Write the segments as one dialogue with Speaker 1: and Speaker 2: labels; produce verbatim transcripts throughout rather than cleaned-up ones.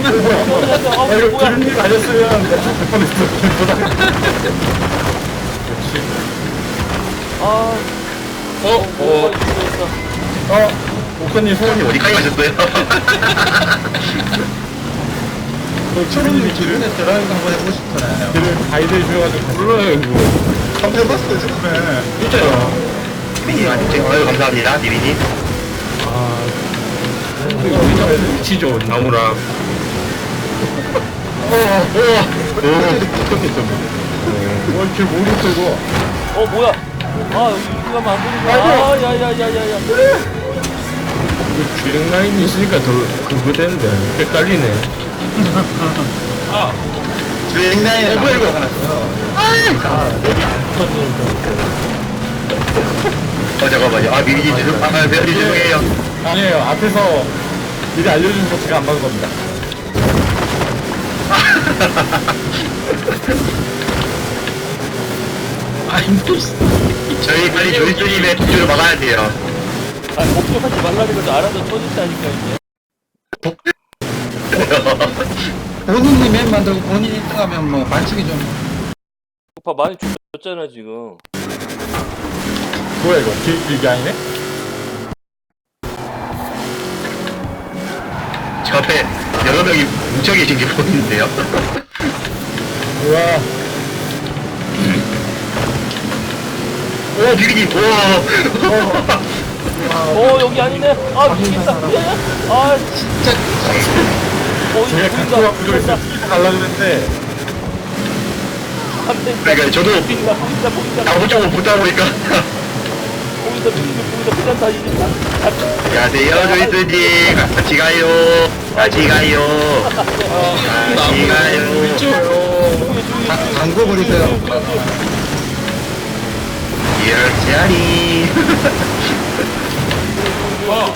Speaker 1: 아, 이거 기름님 아니었으면 될 뻔했어. 역시.
Speaker 2: 아,
Speaker 3: 어? 어?
Speaker 1: 어, 목사님 소원이 어디?
Speaker 3: 어디까지 가셨어요?
Speaker 4: 초롱님 기분에 드라이브 한번 해보고 싶잖아요.
Speaker 1: 길을 가이드 해주셔가지고.
Speaker 3: 몰라요 이거
Speaker 4: 한번 해봤어요, 처음에.
Speaker 3: 진짜요 아유 감사합니다 디비님
Speaker 1: 아,
Speaker 3: 이거 진짜 치죠 나무랑
Speaker 1: 어, 어, 어, 이렇게 모르 쓰고.
Speaker 2: 어, 뭐야? 아, 여기 이렇게 가면 안 되는 거야. 아, 야, 야, 야, 야, 야.
Speaker 3: 이거 주행 라인이 있으니까 더 그거 되는데 헷갈리네 아
Speaker 4: 주행라인에
Speaker 1: 뭐야, 이거?
Speaker 5: 어 잠깐만요. 아 미리 죄송. 아 미리 죄송해요.
Speaker 1: 아니에요. 앞에서 미리 알려준 거 제가 안 받은 겁니다.
Speaker 3: 아이 또
Speaker 5: 저희 빨리 조이스님의 폭주를 막아야 돼요.
Speaker 2: 아, 목표하지 말라는 것도 알아서 쳐준다니까, 이제.
Speaker 4: 본인이 맨 만들고 본인이 일 등 하면 뭐 반칙이 좀.
Speaker 2: 오빠 많이 줬잖아, 지금.
Speaker 1: 뭐야 이거? 길게 아니네?
Speaker 5: 저 앞에 여러 명이 뭉쳐 계신 게 보이는데요.
Speaker 1: 우와.
Speaker 5: 오 비비님. 오.
Speaker 2: 어, 여기 아니네. 아, 미치겠다. 미안해. 아, 진짜. 어,
Speaker 1: 제가
Speaker 2: 이거
Speaker 1: 갖고
Speaker 2: 보인다.
Speaker 1: 와서 있어 가려고 했는데
Speaker 2: 안 돼.
Speaker 5: 그러니까 저도
Speaker 2: 보인다, 보인다, 보인다.
Speaker 5: 나무 쪽으로 붙다 보니까.
Speaker 2: 보인다, 보인다, 보인다. 그냥 다 이긴다.
Speaker 5: 안녕하세요 조이스님. 같이 가요. 같이 가요. 같이 가요.
Speaker 4: 다- 담궈 버리세요.
Speaker 5: 열차리.
Speaker 3: 와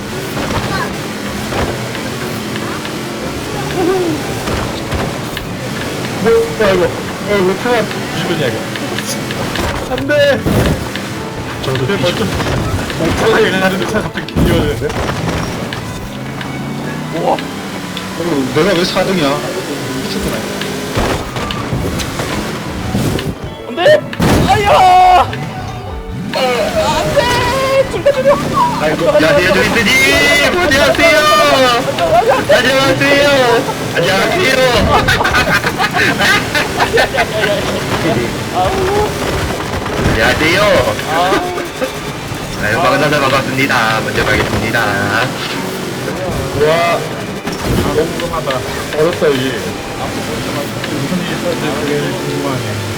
Speaker 1: 뭐야 이거? 어 이거 차가 뒤집어냐 이거? 안돼. 저도 먼저 차가 이거 하는데 차 갑자기 뒤집어지는데?
Speaker 2: 우와.
Speaker 4: 어, 내가 왜 사 등이야? 미쳤구나.
Speaker 2: 안 돼! 아야! 안 돼! 둘다 죽여!
Speaker 5: 안녕하세요 조이스님. 안녕하세요. 안녕하세요. 안녕하세요.
Speaker 2: 아우.
Speaker 5: 안녕하세요.
Speaker 2: 아.
Speaker 5: 아유, 반갑습니다. 반갑습니다. 먼저 가겠습니다.
Speaker 1: 우와. 너무 궁금하다. 어렵다 이게. 무슨 일이 있었는지 되게 궁금하네.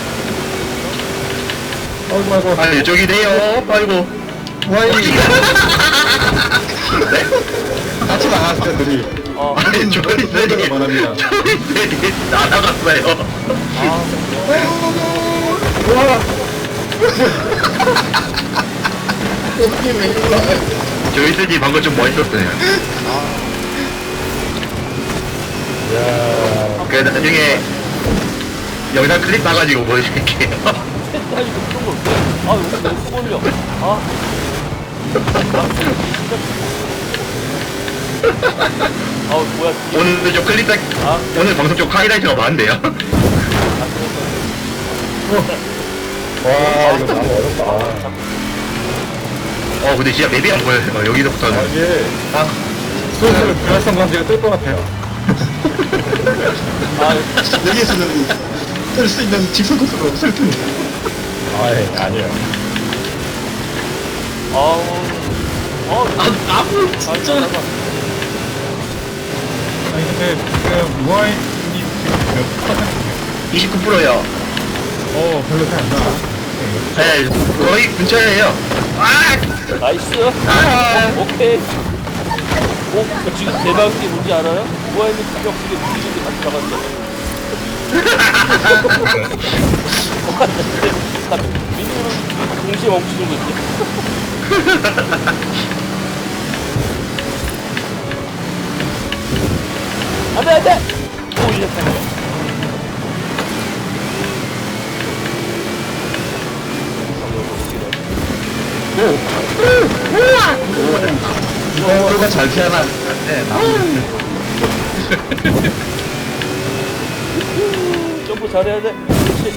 Speaker 1: 아이고 아이고.
Speaker 5: 아, 이쪽이네요. 아이고.
Speaker 4: 와이. 같이 나갔어요, 둘이.
Speaker 2: 어.
Speaker 5: 아니, 조이스님.
Speaker 1: 원합니다.
Speaker 5: 조이스님 날아갔어요.
Speaker 1: 우와.
Speaker 5: 조이스님 방금 좀 멋있었어요.
Speaker 1: 야.
Speaker 5: 그 나중에 영상 클립 따가지고 보여드릴게요.
Speaker 2: 아니, 그런 걸 왜? 아, 여기 너무 걸려. 아. 아, 뭐야.
Speaker 5: 오늘 좀 클립 따,
Speaker 2: 아,
Speaker 5: 오늘 방송 좀 하이라이트가 많은데요.
Speaker 1: 와 이거 너무 어렵다.
Speaker 5: 어, 근데 진짜 맵이 안 보여요. 어,
Speaker 1: 아,
Speaker 5: 여기서부터는.
Speaker 1: 이게 아 슬슬 불활성 관계가 뜰 것 같아요.
Speaker 2: 아,
Speaker 4: 여기에서는 쓸 수 있는 직선 코스가 없을 텐데.
Speaker 1: 아예 아니에요.
Speaker 2: 아우. 아,
Speaker 3: 아, 나무 진짜
Speaker 1: 아니 근데 지금 무아인이 지금 몇 퍼센트예요?
Speaker 5: 이십구 퍼센트요.
Speaker 1: 어 별로 차이 안 나.
Speaker 5: 네, 거의 근처에요. 아!
Speaker 2: 나이스.
Speaker 5: 아!
Speaker 2: 어, 오케이. 오, 지금 대박인 게 뭔지 알아요? 뭐하는 공격수게 무기인데 같이 나갔어. 민우는 동시에 멈추는 거지. 안 돼, 안 돼! 오, 이제 타네.
Speaker 4: 어, 그거 잘 피하나? 네, 나.
Speaker 2: 점프 잘해야 돼. 그렇지.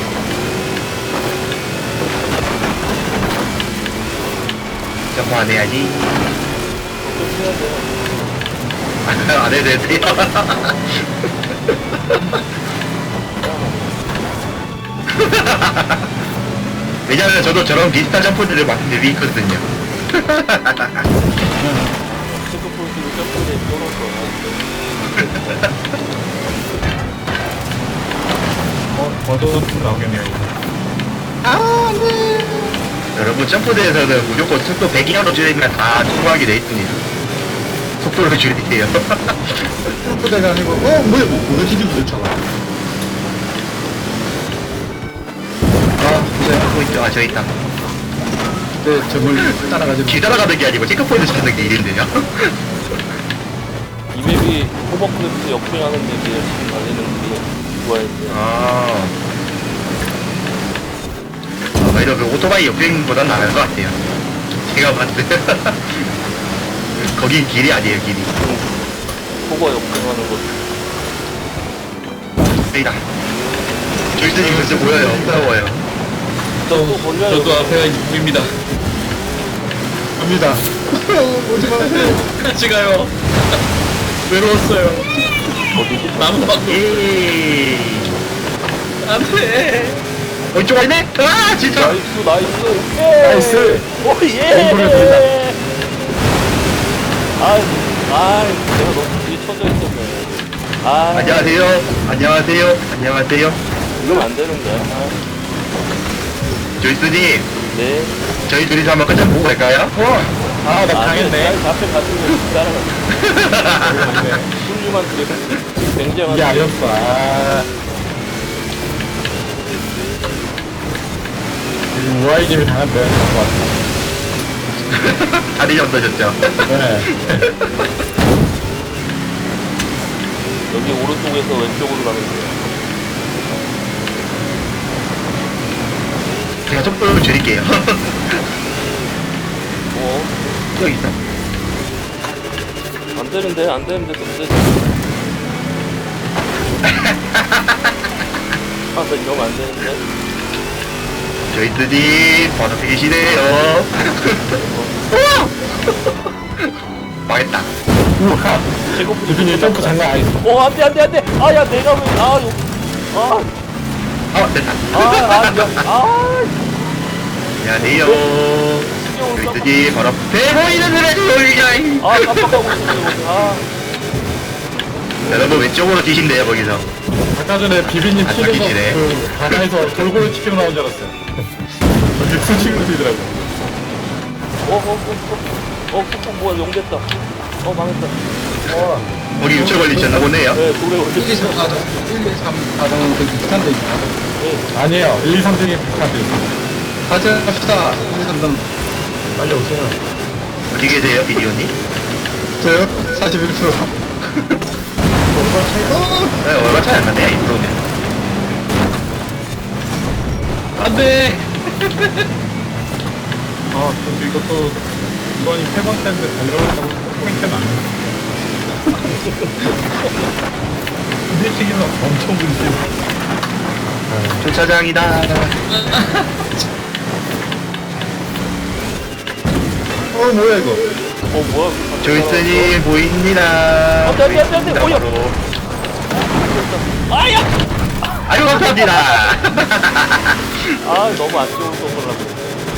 Speaker 5: 점프 안 해야지.
Speaker 2: 점프 해야 돼.
Speaker 5: 안 해도 돼요. 왜냐면 저도 저런 비슷한 점프들을 많이 있거든요.
Speaker 2: 체크포인트로 점프를 걸어서.
Speaker 1: 어 더도 좀 나오겠네요.
Speaker 5: 여러분 점프대에서는 무조건 속도 백 이하로 줄이면 다 통과하게 돼 있습니다. 속도를 줄이세요.
Speaker 4: 점프대가 아니고, 어, 뭐야, 뭐, 뭐가 지금 그렇잖아.
Speaker 5: 아, 저기 있다.
Speaker 4: 네, 저걸 따라가지고.
Speaker 5: 길 따라가는 게 아니고 체크포인트 찾는 게 일인데요.
Speaker 2: 이 맵이 호버크래프트 역행하는 맵이에요. 지금 달리는 게 좋아했어요.
Speaker 5: 아. 아, 이러 그 오토바이 역행보단 나을 것 같아요. 제가 봤을 때. 거긴 길이 아니에요, 길이.
Speaker 2: 호버 역행하는 것.
Speaker 5: 여기다. 절대님 글쎄 보여요. 무서워요.
Speaker 2: 저도 걸려요.
Speaker 3: 저도 앞에가 이입니다.
Speaker 1: 갑니다. 오지 마세요.
Speaker 3: 같이 가요. 외로웠어요. 나무 밖으로.
Speaker 5: 에이.
Speaker 3: 안돼.
Speaker 5: 어, 이쪽 아니네? 아, 진짜.
Speaker 2: 나이스 나이스 오케이.
Speaker 1: 나이스.
Speaker 2: 오예.
Speaker 1: 공부를 드린다.
Speaker 2: 아, 아, 내가 너무 뒤에 쳐져 있었네. 아,
Speaker 5: 안녕하세요. 안녕하세요. 안녕하세요.
Speaker 2: 이러면 안 되는데. 아,
Speaker 5: 조이스님,
Speaker 2: 네.
Speaker 5: 저희 둘이서 한번 끝장 보고 갈까요?
Speaker 1: 어. 아, 나
Speaker 2: 아,
Speaker 1: 당했네.
Speaker 2: 앞에 가지고 따라가. 훌륭한 그래. 굉장한.
Speaker 1: 이게 아니었어. 아. 이 우아이님이 당한 대것 같아.
Speaker 5: 다리 얹어졌죠.
Speaker 1: 네.
Speaker 2: 여기 오른쪽에서 왼쪽으로 가면 돼요.
Speaker 5: 제가 속도를 줄일게요.
Speaker 2: 어,
Speaker 5: 여기 있다.
Speaker 2: 안 되는데, 안 되는데, 안 되지. 아, 나 이러면 안 되는데.
Speaker 5: 조이스님, 번호 계시네요. 망했다.
Speaker 1: 우와.
Speaker 2: 제거부터
Speaker 1: 유빈이 점프 장난 아니었어.
Speaker 2: 어, 안 돼, 안 돼, 안 돼. 아, 야, 내가 왜, 아, 요, 아,
Speaker 5: 아, 됐다.
Speaker 2: 아, 아, 야, 아,
Speaker 5: 안녕하세요.
Speaker 2: 신경을 깜빡,
Speaker 5: 조이스님, 바로 앞에 보이는 노래 돌리자이.
Speaker 2: 아, 깜빡하고 있었네, 아.
Speaker 5: 여러분, 왼쪽으로 뛰신대요, 거기서.
Speaker 1: 아까 전에 비비님
Speaker 5: 아,
Speaker 1: 튀겨서
Speaker 5: 저기지네.
Speaker 1: 그 바다에서 골고루 튀겨 나온 줄 알았어요. 저기 수직으로 뛰더라고.
Speaker 2: 어, 어, 어, 어, 어, 어, 뭐야, 용됐다. 어, 망했다. 어,
Speaker 5: 거기 유체 걸리셨나 보네요.
Speaker 2: 네, 돌에
Speaker 4: 일, 이,
Speaker 2: 올렸어.
Speaker 4: 삼, 사 등, 일, 이, 삼, 사 등은 그 비슷한데 있나?
Speaker 2: 네,
Speaker 1: 아니에요. 일, 이, 삼 등이 비슷한데 있어.
Speaker 4: 가자, 갑시다. 일, 이, 삼 등.
Speaker 1: 빨리 오세요.
Speaker 5: 어디 계세요, 비디오님?
Speaker 4: 저요? 사십일 퍼센트.
Speaker 5: 네, 얼마 차이 안 나네요, 이 프로면.
Speaker 3: 안돼.
Speaker 1: 아, 근데 이것도 이번이 세 번째인데 달려오려고 포인트는 아니야. 일찍이면 엄청 문제.
Speaker 5: 주차장이다.
Speaker 1: 어, 뭐야 이거?
Speaker 2: 어, 뭐야.
Speaker 5: 조이스님, 보입니다.
Speaker 2: 안 돼, 안 돼, 안 돼, 안 돼. 뭐야.
Speaker 5: 바로.
Speaker 2: 아야!
Speaker 5: 아유, 감사합니다.
Speaker 2: 아, 너무 안 좋은 선물라고.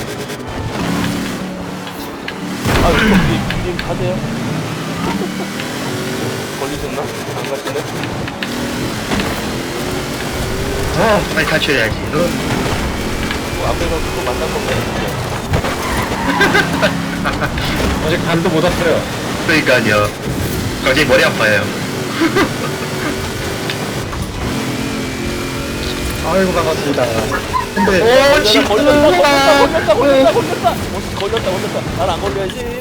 Speaker 2: 아, 이거 님 가세요. 걸리셨나? 안 가시네?
Speaker 5: 어, 빨리 탈출해야지. 너,
Speaker 2: 뭐 앞에서 또 만날 건가요?
Speaker 1: 아직 간도 못 왔어요.
Speaker 5: 그러니까요. 갑자기 머리 아파요.
Speaker 1: 아이고 반갑습니다. 근데
Speaker 5: 오,
Speaker 2: 걸렸다, 걸렸다, 걸렸다, 걸렸다, 걸렸다, 어, 걸렸다, 걸렸다. 난 안 걸려야지.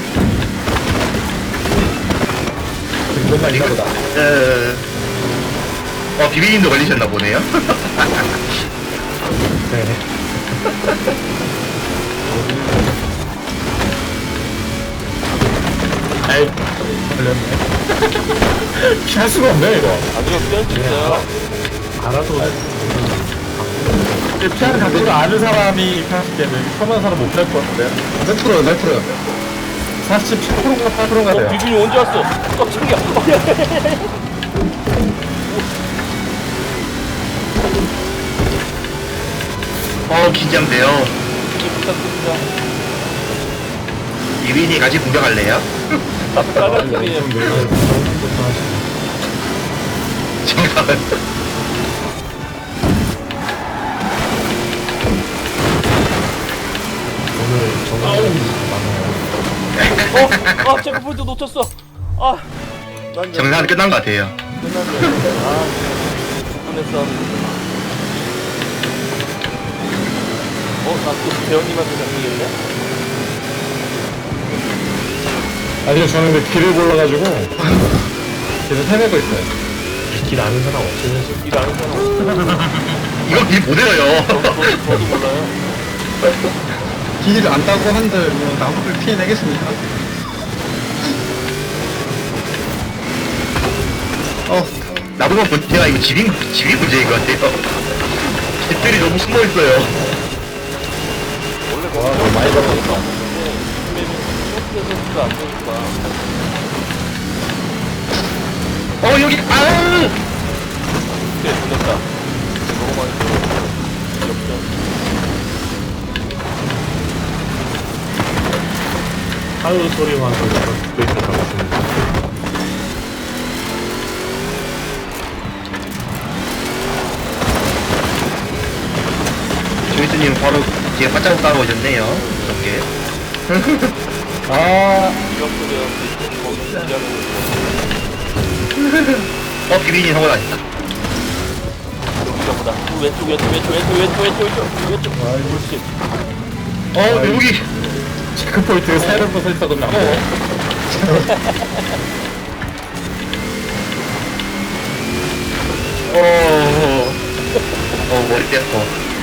Speaker 1: 이것만 있나 보다.
Speaker 5: 어, 어, 비비님도 걸리셨나 보네요.
Speaker 1: 네. 에이, 걸렸네. 피할 수가 없네 이거.
Speaker 2: 아니요, 피할 수 있어요.
Speaker 1: 알아도. 근데 피하는 각도를 아는 사람이 피할 때는 서만 사람 못 피할 것 같은데.
Speaker 4: 몇 프로, 몇 프로?
Speaker 1: 사십칠 퍼센트인가 팔 퍼센트가
Speaker 2: 어,
Speaker 1: 돼요.
Speaker 2: 비준이 언제 왔어? 깜짝이야. 어, 야, 야, 야, 야.
Speaker 5: 어, 긴장돼요.
Speaker 2: 이렇게 부탁드립니다.
Speaker 5: 비비님 같이 공격할래요?
Speaker 2: 앞에 빨간 팀이에요.
Speaker 5: 잠깐만.
Speaker 1: 오늘 정말 많아요.
Speaker 2: 어, 아, 체크포인트 놓쳤어. 아, 난
Speaker 5: 정상 끝난 것 같아요.
Speaker 2: 끝났네. 아, 죽분의 싸움. 어, 나또 배우님한테 잡히겠네?
Speaker 1: 아니요, 저는 근데 길을 몰라가지고 계속 헤매고 있어요. 길 아는 사람 없으면
Speaker 2: 일 아는 사람 없어.
Speaker 5: 이거 길못 외워요.
Speaker 2: 저도, 저도, 저도 몰라요.
Speaker 4: 길 안 따고 한들 뭐 나무를 피해내겠습니까?
Speaker 5: 어, 나보고 문제가 이거 집이, 집이 문제인 것 같아요. 집들이 너무 숨어 있어요.
Speaker 2: 원래
Speaker 1: 와, 너무 많이
Speaker 2: 가
Speaker 1: 잡았다.
Speaker 2: 있었는데, 요즘에는 쇼트에서도 안 되니까.
Speaker 5: 어, 여기, 아우!
Speaker 2: 네, 돌렸다. 너무 많이 돌렸어. 역전.
Speaker 1: 하루 소리만 들어서 그렇게 잡았습니다.
Speaker 5: 조이스님 바로 뒤에 바짝 따라오셨네요. 이렇게.
Speaker 1: 아,
Speaker 2: 이력도 되었는데, 거기 일하는
Speaker 5: 어, 비빈이 성공 아니다.
Speaker 2: 여기가 보다. 왼쪽, 왼쪽, 왼쪽, 왼쪽, 왼쪽, 왼쪽, 왼쪽, 왼쪽. 그렇지.
Speaker 5: 어, 여기.
Speaker 1: 체크포인트 새로 서 있어도 나고.
Speaker 5: 어, 어, 어, 머리 떼었어.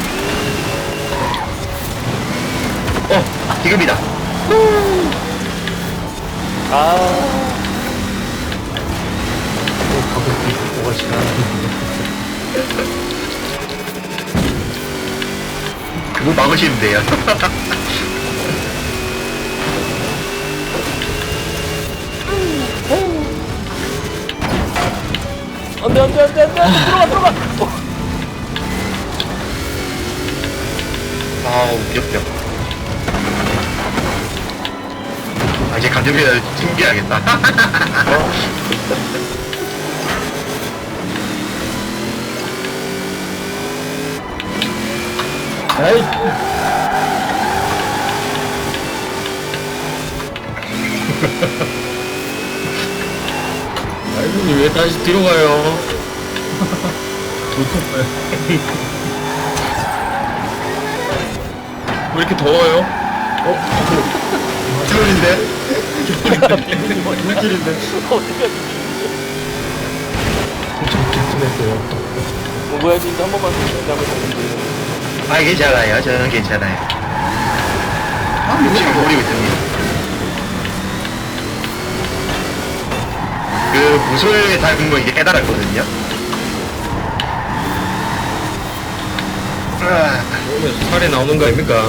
Speaker 5: 어, 지금이다.
Speaker 2: 아,
Speaker 1: 뭐가 지나가는데.
Speaker 5: 그거 막으시면 돼요.
Speaker 2: 안 돼, 안 돼, 안 돼, 안 돼. 들어가, 들어가. 어.
Speaker 5: 아우, 귀엽다. 아, 이제 감정표현을 숨겨야겠다.
Speaker 1: 아이. 아이고, 왜 다시 뒤로 가요? 놓쳤어요.
Speaker 3: 왜 이렇게 더워요?
Speaker 5: 트롤인데?
Speaker 1: 물길인데.
Speaker 2: 어떻게 하지?
Speaker 1: 좋겠어요.
Speaker 2: 뭐, 뭐야, 진짜 한 번만 더 시작을 했는데.
Speaker 5: 아, 괜찮아요. 저는 괜찮아요. 아, 지금 노리고 있습니다. 그, 무술 닮은 거 이게 깨달았거든요. 아,
Speaker 3: 오늘 살에 나오는 거 아닙니까?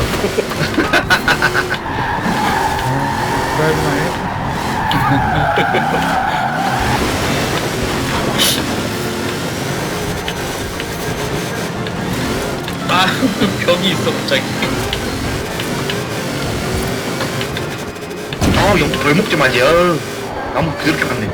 Speaker 3: 아, 벽이 있어, 갑자기.
Speaker 5: 아, 영, 덜 먹지 마지. 어우, 나무 그렇게 많네.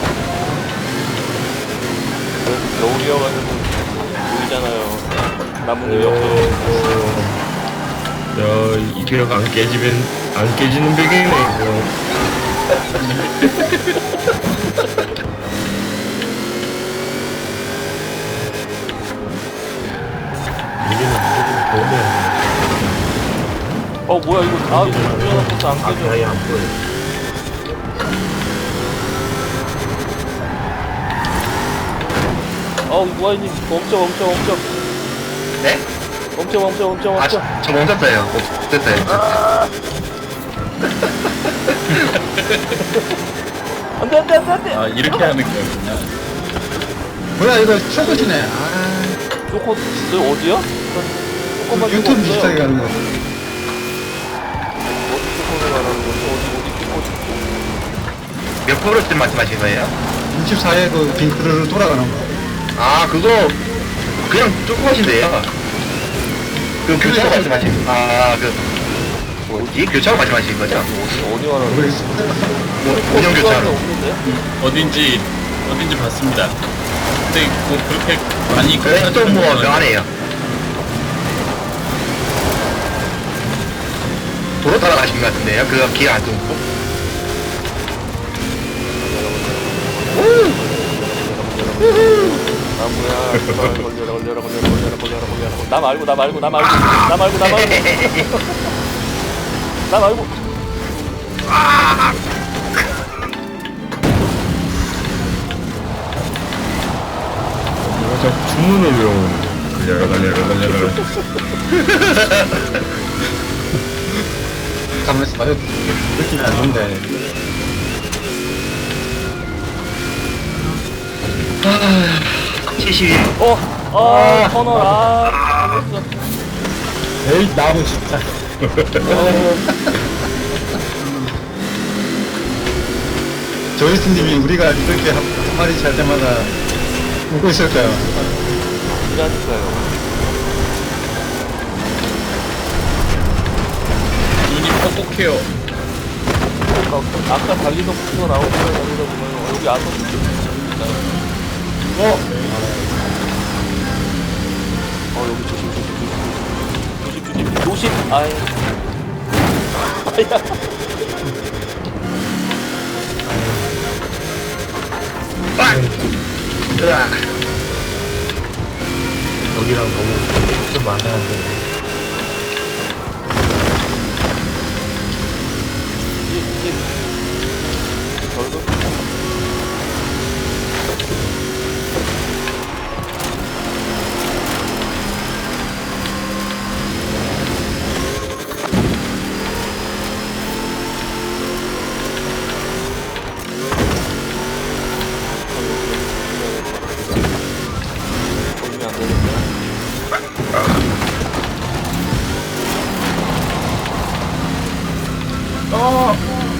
Speaker 2: 겨울이어가지고 보이잖아요. 나무는
Speaker 3: 오,
Speaker 2: 역전.
Speaker 3: 야, 이 벽 안 깨지면, 안 깨지는 벽이네, 이거.
Speaker 1: 이게는 무조건 더우면.
Speaker 2: 어 뭐야 이거 다 유연한 것도 안
Speaker 1: 아,
Speaker 2: 깨져.
Speaker 1: 아예 안 보여.
Speaker 2: 어우 무아이님 멈춰 멈춰 멈춰
Speaker 5: 네?
Speaker 2: 멈춰 멈춰 멈춰
Speaker 5: 아,
Speaker 2: 멈춰.
Speaker 5: 저, 저 멈췄어요. 어, 됐어요.
Speaker 2: 안돼 안돼 안돼 안돼.
Speaker 3: 아, 이렇게 하는 거였구나.
Speaker 4: 뭐야 이거 최고지네. 아,
Speaker 2: 요거 너 어디야? 조금만 좀
Speaker 4: 유튜브
Speaker 2: 없어요.
Speaker 4: 비슷하게 가는 거.
Speaker 2: 어디 조금을 말하는 거지? 어디 어디 끼고
Speaker 5: 몇 프로쯤 말씀하신 거예요?
Speaker 4: 육십사 회 그 빙크르르 돌아가는 거.
Speaker 5: 아, 그거, 그냥 조금 하신대요. 그 교차로 말씀하신, 아, 그, 뭐지? 교차로 말씀하신 거죠?
Speaker 2: 어디 어디 말하는 거지?
Speaker 4: 모르겠어.
Speaker 5: 뭐, 운영 교차로.
Speaker 2: 없는데?
Speaker 3: 어딘지, 어딘지 봤습니다. 근데 뭐 그렇게 많이.
Speaker 5: 그래서 좀 뭐, 묘하네요. 도로 따라가신 것 같은데요? 그거 기가 안 좋고.
Speaker 2: 나무야 제발 걸려라 걸려라 걸려라 걸려라 걸려라 걸려라 나 말고 나 말고 나 말고 나 말고 나 말고 나 말고
Speaker 1: 저 주문을 외우는. 달려라, 달려라, 달려라.
Speaker 4: 가만있어 봐요. 느낌이 안 좋은데.
Speaker 5: 칠십일.
Speaker 2: 어! 아 터널 아 터졌어.
Speaker 1: 에이, 나무 진짜.
Speaker 4: 조이스님이 우리가 이렇게 한, 한 마리 잘 때마다 웃고 있을까요?
Speaker 2: 이라니까요.
Speaker 3: 눈이 뻑뻑해요.
Speaker 2: 아까, 아까 달리던 부터 나오는 거 달리다 보면 여기 아서 있나요?
Speaker 1: 어?
Speaker 2: 어 여기 조심 조심 조심 조심 조심 조심 아이 아야
Speaker 5: 아! 으아.
Speaker 1: 여기랑 너무 좀 많아야 돼.
Speaker 2: 이게 이게 저도 걸리면 안 되겠네.
Speaker 1: 어!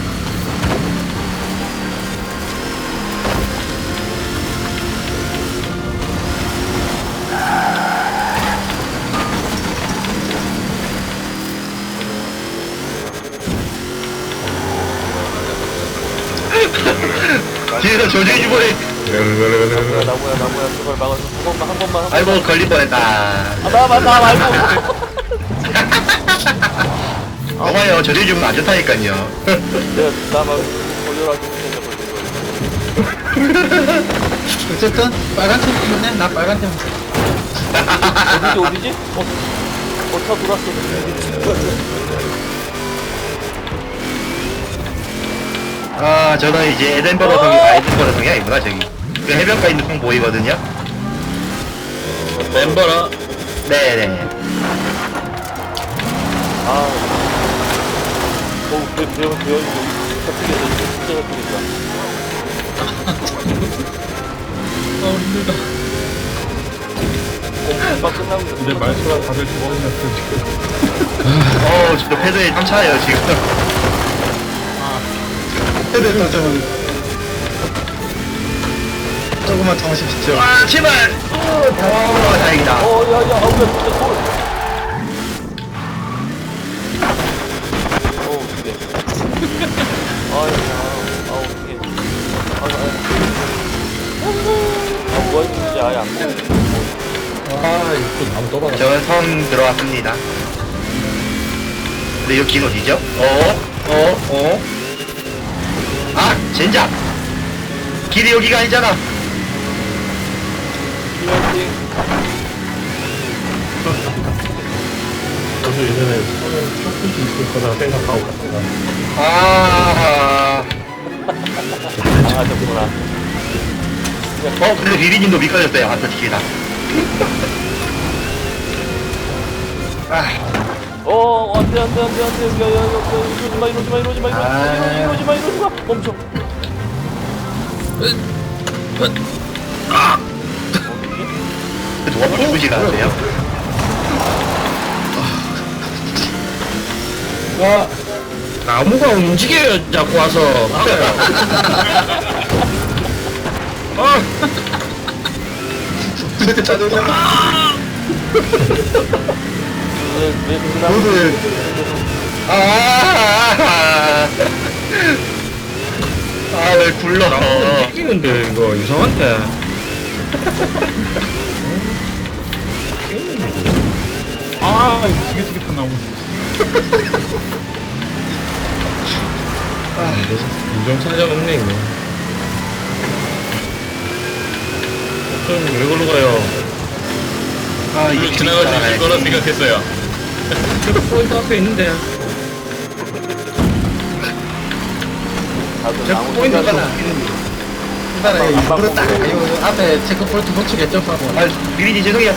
Speaker 5: 뒤에서 저주의 주머니.
Speaker 2: 나무야 나무야 나무야 제발 막아줘 한 번만 한 번만 한 번만
Speaker 5: 아이고, 걸릴 뻔했다.
Speaker 2: 아나나 나 말고
Speaker 5: 봐봐요, 저주의 주문 안 좋다니까요.
Speaker 2: 내가 나 말고 걸려라 좀 생각을
Speaker 4: 어쨌든 빨간 팀 때문에 나 빨간 팀.
Speaker 2: 어디지 어디지? 어, 어, 차 돌았어.
Speaker 5: 아, 저는 이제 에덴버러 성이, 아, 에덴버러 성이 아니구나, 저기. 그 해변가 있는 성 보이거든요?
Speaker 3: 멤버라.
Speaker 5: 네네.
Speaker 2: 아, 어우, 배, 배, 배원, 배원이 여기 잡히겠다. 진짜 잡히겠다.
Speaker 3: 아, 힘들다.
Speaker 2: 어, 금방 끝나고 있어.
Speaker 1: 근데 말수가 다들 죽어버렸어, 지금.
Speaker 5: 어우, 저 패드에 땀 차요, 지금.
Speaker 4: 헤드 좀 조금만 참으십시오.
Speaker 5: 아, 제발! 어, 다행이다.
Speaker 2: 어, 야, 야, 아우, 야, 진짜 돌. 어우, 어떡해. 아유, 아우, 아우, 어떡해. 아유, 아유. 아, 뭐야, 진짜 아예 안 보여.
Speaker 1: 아, 이거 또 나무 떠받아.
Speaker 5: 저는 성 들어왔습니다. 근데 이거 긴 어디죠? 어? 어? 어? 아! 젠장! 길이 여기가 아니잖아!
Speaker 2: 화이팅.
Speaker 1: 저도 예전에 처음에 조금씩 있을 거다 생각하고 갔다가.
Speaker 5: 아,
Speaker 2: 당하셨구나.
Speaker 5: 어, 근데 리리님도 미끄러졌어요. 아까 길이다. 아,
Speaker 2: 어, 안 돼, 안 돼, 안 돼, 안 돼. 야, 야, 야, 야, 이러지 마, 이러지 마, 이러지 마, 이러지 마,
Speaker 5: 아.
Speaker 2: 이러지 마, 이러지 마. 멈춰.
Speaker 5: 누가 죽으시가 않으세요?
Speaker 1: 와, 나무가 움직여요, 자꾸 와서. 아,
Speaker 4: 이렇게 짜증나.
Speaker 2: 왜, 왜, 그 나무.
Speaker 4: 모두
Speaker 5: 아, 아, 왜 굴러?
Speaker 1: 움직이는데, 이거 이상한데. 아, 이거 지긋지긋한 나무. 아, 인정차장 없네, 이거. 왜 걸로 가요?
Speaker 5: 아,
Speaker 3: 이거
Speaker 5: 이거
Speaker 3: 지나갈 수 있을 거라 생각했어요.
Speaker 1: 포인트 앞에 있는데.
Speaker 2: 다들
Speaker 4: 저
Speaker 2: 아무
Speaker 4: 포인트
Speaker 2: 생각
Speaker 4: 하나. 이번에 일부러 딱, 요 앞에 체크포인트 놓치겠죠? 하고.
Speaker 5: 아, 미리님 죄송해요.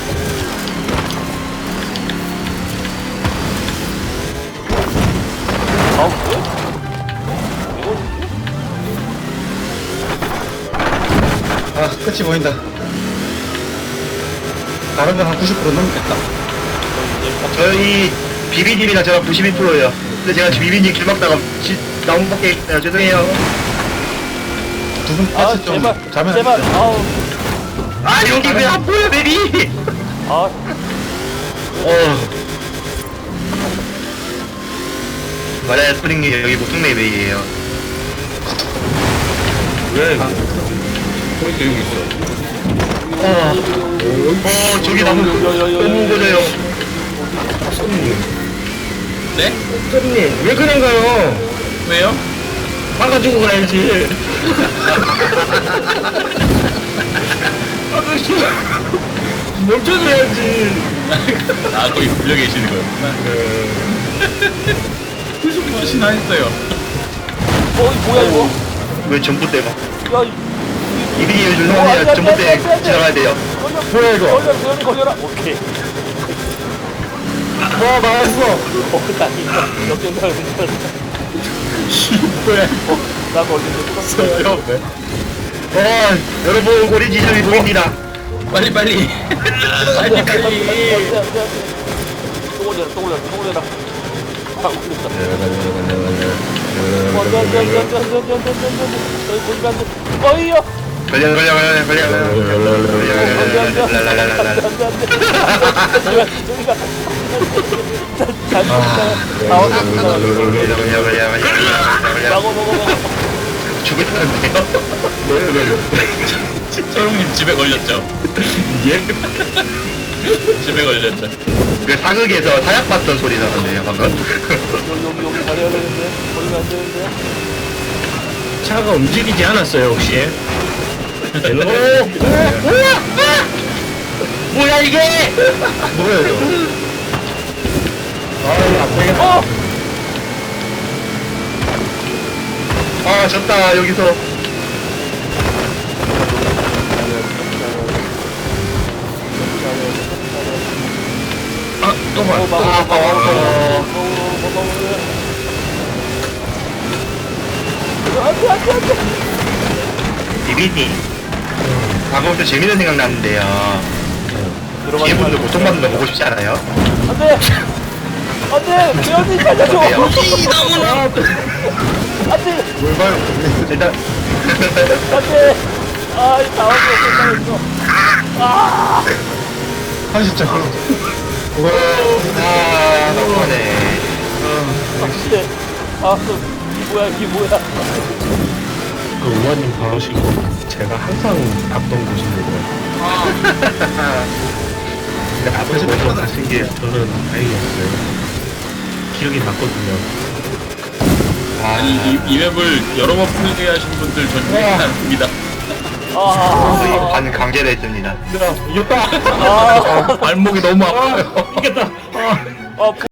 Speaker 2: 아, 그래? 이거
Speaker 4: 아, 끝이 보인다. 다른 건 한 구십 퍼센트 넘겠다.
Speaker 5: 저희 비비님이랑 저랑 구십일 퍼센트예요. 근데 제가 지금 비비님 길 막다가 지, 나온 밖에 있어요. 죄송해요.
Speaker 4: 두 분
Speaker 2: 아,
Speaker 4: 패스 좀
Speaker 2: 제발,
Speaker 4: 자면 안
Speaker 2: 제발,
Speaker 4: 돼요?
Speaker 2: 아우,
Speaker 5: 아, 여기 왜 안 보여, 베비?
Speaker 2: 아,
Speaker 5: 어. 맞아요, 스프링님 여기 보통메이 베이예요.
Speaker 1: 왜? 포인트 여기 있어.
Speaker 5: 어, 어, 저기 나무 너무 고져요.
Speaker 3: 네?
Speaker 1: 선생님, 왜 그냥 가요?
Speaker 3: 왜요?
Speaker 1: 막아주고 가야지. 아저씨, 멈춰줘야지.
Speaker 3: 아, 거기 불려 계시는 거였구나. 구십 번이나 했어요.
Speaker 2: 어, 이 뭐야, 이거?
Speaker 5: 왜 전봇대가?
Speaker 2: 야, 이,
Speaker 5: 이비님
Speaker 2: 어, 안 돼,
Speaker 5: 죄송해요.
Speaker 2: 안 돼, 안
Speaker 5: 전봇대
Speaker 2: 돼, 안 돼.
Speaker 5: 지나가야 돼요.
Speaker 2: 걸려,
Speaker 1: 뭐야, 이거?
Speaker 2: 걸려, 걸려, 걸려라. 오케이.
Speaker 1: 와, 나왔어.
Speaker 2: 어, 다행이다. 역전사를 괜찮았다.
Speaker 1: 뭐야,
Speaker 2: 어, 나 걸리는데 뚫었어.
Speaker 1: 이거.
Speaker 5: 어, 여러분, 고리 지점이 보입니다.
Speaker 3: 빨리, 빨리. 빨리, 빨리.
Speaker 2: 또 올려라, 또 올려라, 또 올려라. 아, 웃겼다. 어, 안 돼, 안 돼, 안 돼, 안 돼, 안 돼, 안 돼, 안 돼, 안 돼, 안 돼. 저기 보니까 안 돼. 어이야!
Speaker 5: 걸려, 걸려, 걸려, 걸려, 걸려.
Speaker 2: 안 돼, 안 돼, 안 돼, 안 돼, 안 돼,
Speaker 5: 랄랄랄랄랄.
Speaker 2: 안 돼, 안 돼. 저기가, 저기가. 잘 먹다. 나와서
Speaker 5: 걸려, 걸려, 걸려, 걸려, 걸려.
Speaker 2: 먹어, 먹어, 먹어.
Speaker 5: 죽었는데요?
Speaker 3: 초롱님 집에 걸렸죠?
Speaker 1: 예?
Speaker 3: 집에 걸렸죠.
Speaker 5: 그 사극에서 사약 봤던 소리 나던데요, 방금?
Speaker 2: 여기, 여기, 여기 잘해야 되는데. 걸리면 안 되는데.
Speaker 1: 차가 움직이지 않았어요, 혹시?
Speaker 5: 오! 오! 우와! 뭐야, 이게!
Speaker 1: 뭐야, 이거? 아, 이거 안 되겠다.
Speaker 2: 어!
Speaker 5: 아, 졌다, 여기서.
Speaker 1: 아, 또 봐.
Speaker 2: 어, 막어,
Speaker 5: 아,
Speaker 2: 막어,
Speaker 5: 아,
Speaker 2: 막어,
Speaker 5: 아.
Speaker 2: 막어, 막어. 안 돼, 안 돼, 안 돼.
Speaker 5: 비비님. 방금 또 재밌는 생각 났는데요.
Speaker 2: 들어가지
Speaker 5: 뒤에 분들
Speaker 2: 말고.
Speaker 5: 고통받는 거 보고 싶지 않아요?
Speaker 2: 안 돼! 안 돼! 배현이 살려줘!
Speaker 5: 어때요?
Speaker 2: 안 돼!
Speaker 5: 뭘 봐요? 일단.
Speaker 2: 안 돼! 아, 이 나와서 끝나겠어. 아!
Speaker 4: 삼십 점.
Speaker 5: 와, 아, 너무하네.
Speaker 2: 안 돼. 아, 이 뭐야, 이 뭐야.
Speaker 1: 그 우아님 바로시고 제가 항상 갔던 곳인데
Speaker 5: 근데 앞에서 먼저 가신 게.
Speaker 1: 저는 다행이었어요. 기억이 났거든요.
Speaker 3: 아니, 이, 이 맵을 여러 번 플레이하신 분들 전 유익이 않습니다.
Speaker 5: 거의
Speaker 2: 아,
Speaker 5: 반 강제로 했습니다.
Speaker 1: 이겼다.
Speaker 2: 아,
Speaker 3: 발목이 너무 아파요.
Speaker 1: 이겼다.
Speaker 2: 아,